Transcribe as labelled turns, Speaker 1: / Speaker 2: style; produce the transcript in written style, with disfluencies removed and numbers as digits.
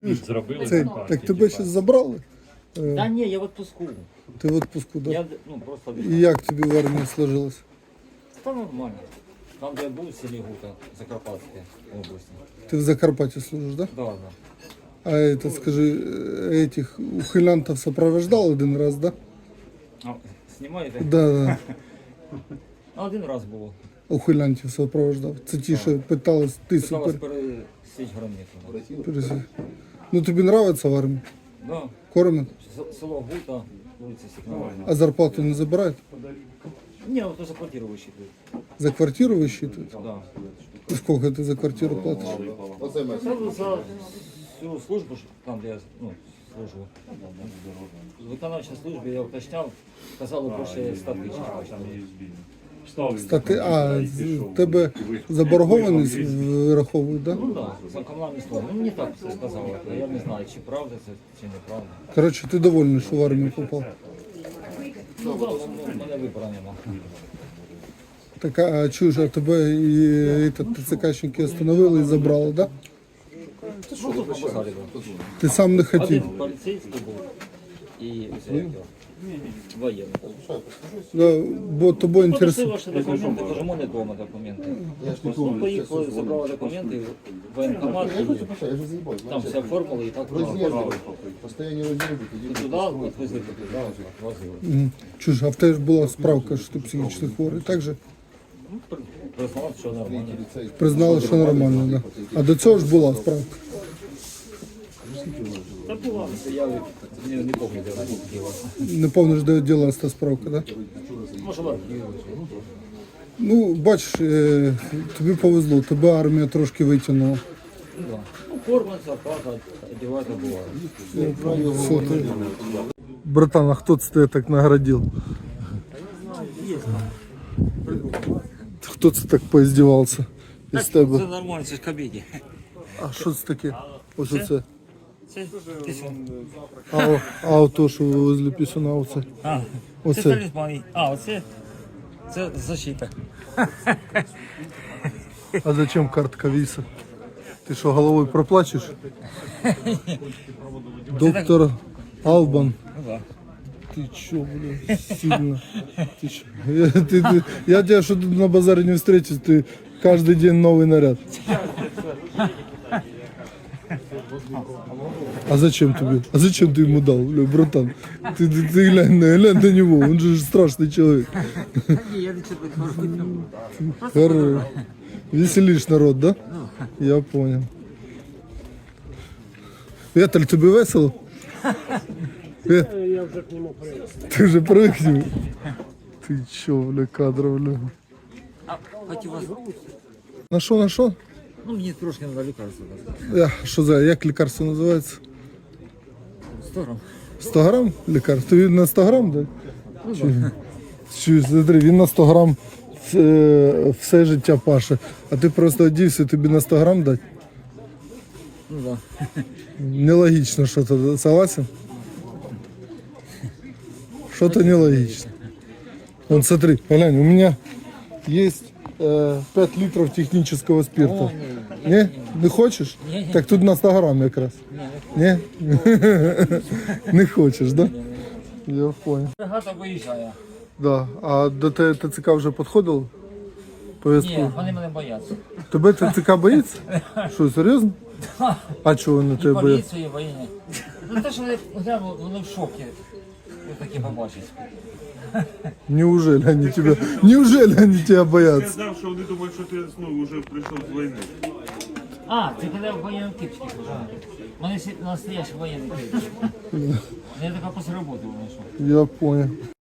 Speaker 1: Зробили
Speaker 2: Це,
Speaker 1: партії,
Speaker 2: так тебе зараз забрали?
Speaker 3: Да ні, я в отпуску.
Speaker 2: Ти в відпуску, так?
Speaker 3: Я просто
Speaker 2: І як тобі в армії сложилось?
Speaker 3: Та нормально. Там, де я був в селі Гута, Закарпатській області.
Speaker 2: Ти в Закарпатті служиш, так?
Speaker 3: Да, да.
Speaker 2: А это, скажи, этих ухилянтов сопровождал один раз, да?
Speaker 3: А, знімаєте?
Speaker 2: Да.
Speaker 3: Один раз було.
Speaker 2: Ухилянтів сопровождав. Це ті, що питались, ти
Speaker 3: Питалась
Speaker 2: супер.
Speaker 3: пересічь границю.
Speaker 2: пересі- Ну тобі нравиться в армії?
Speaker 3: Да.
Speaker 2: Кормят?
Speaker 3: Село Гута, вулиця Сікнова.
Speaker 2: А зарплату не забирають?
Speaker 3: Ні, от за квартиру висчитують.
Speaker 2: За квартиру висчитують?
Speaker 3: Да.
Speaker 2: І скільки ти за квартиру платиш?
Speaker 3: Це за всю службу, там, де я служу. В виконавчій службі я уточняв, казали більше 100 тисяч.
Speaker 2: Тебе заборгованість вираховують, так? Да?
Speaker 3: Ну так, за комунальні служби. Ну мені так сказали, я не знаю, чи правда це, чи неправда.
Speaker 2: Коротше, ти довольний, що в армію попав?
Speaker 3: Ну так, в мене вибору нема.
Speaker 2: Так, а чуєш, а тебе і ТЦКшники остановили і забрали, так? Да?
Speaker 3: Ну тут по базарі був.
Speaker 2: Ти сам не хотів?
Speaker 3: Один поліцейський був і воєнний.
Speaker 2: Да, бо тобою інтересує.
Speaker 3: Попросив ваші документи, кажу, у мене вдома документи. Ну, поїхали, забрали документи, в воєнкомат, і там все оформили і так поїхали. І туди, відвезли туди, возили.
Speaker 2: Чуєш, а в тебе ж була справка, що ти психічно хворий, так же?
Speaker 3: Ну, признав, що нормально.
Speaker 2: Признали, що нормально, да. А до цього ж була справка.
Speaker 3: Та була, я не пам'ятаю, де вона діла.
Speaker 2: Не пам'ятаєш, де ділась та справка, так? Да?
Speaker 3: Може, в архіві.
Speaker 2: Ну, бачиш, тобі повезло, тебе армія трошки витягнула.
Speaker 3: Ну, да. Ну, форма, зарплата, одягати буває.
Speaker 2: Що ти? Братан, а хто це тебе так наградив? Хто це так поіздівався із
Speaker 3: Це
Speaker 2: тебе?
Speaker 3: нормально, це ж комедія.
Speaker 2: А що це таке? Ось оце.
Speaker 3: Це пісня.
Speaker 2: А ото, що ви возле пісюна, оце.
Speaker 3: Це
Speaker 2: Оце.
Speaker 3: талісман. А, оце це защита.
Speaker 2: А зачем картка віса? Ти що, головою проплачеш? Доктор Албан.
Speaker 3: Ну, да.
Speaker 2: Ты чё, бля, сильно. Ты чё? Я тебя что тут на базаре не встречу, ты каждый день новый наряд. А зачем тебе? А зачем ты ему дал, бля, братан? Ты глянь на него, он же страшный человек. Хорош. Веселишь народ, да? Я понял. Віталь, тобі весело? Я вже к нему привик. Ти вже привик к нему? Ти чо, бля, кадр, бля.
Speaker 3: А хотів вас.
Speaker 2: На що?
Speaker 3: Ну, мені трошки треба лікарство дати.
Speaker 2: Що за, як лікарство називається?
Speaker 3: 100 грам.
Speaker 2: 100 грам лікарство? Тобі на 100 грам, да?
Speaker 3: Ну,
Speaker 2: Чи, смотри, він на 100 грам все життя паше, а ти просто одівся, тобі на 100 грам дати?
Speaker 3: Ну, да.
Speaker 2: Нелогично что-то, согласен? Что-то нелогично. Вон, смотри, глянь, у меня есть 5 литров технического спирта.
Speaker 3: О,
Speaker 2: Не? Не хочешь?
Speaker 3: Ні.
Speaker 2: Так тут на 100 грамм якраз. Не? Не хочеш, да? Я понял.
Speaker 3: Бригада виїжджає.
Speaker 2: Да. А до ТЦК вже підходило? Повістку?
Speaker 3: Ні, вони мене бояться.
Speaker 2: Тебе ТЦК боїться? Що, серйозно? А чого вони
Speaker 3: І
Speaker 2: тебе бояться?
Speaker 3: поліцію, і воєнні. Ну, те, що вони в шокі. Ви такі побачать.
Speaker 2: Неужели они тебя боятся?
Speaker 4: Сказав, що вони думають, що ти вже прийшов з війни.
Speaker 3: А, ти коли в воєнному кипчике служив. У мене настоящий воєнний кипчик. Я така після роботи вийшов.
Speaker 2: Я понял.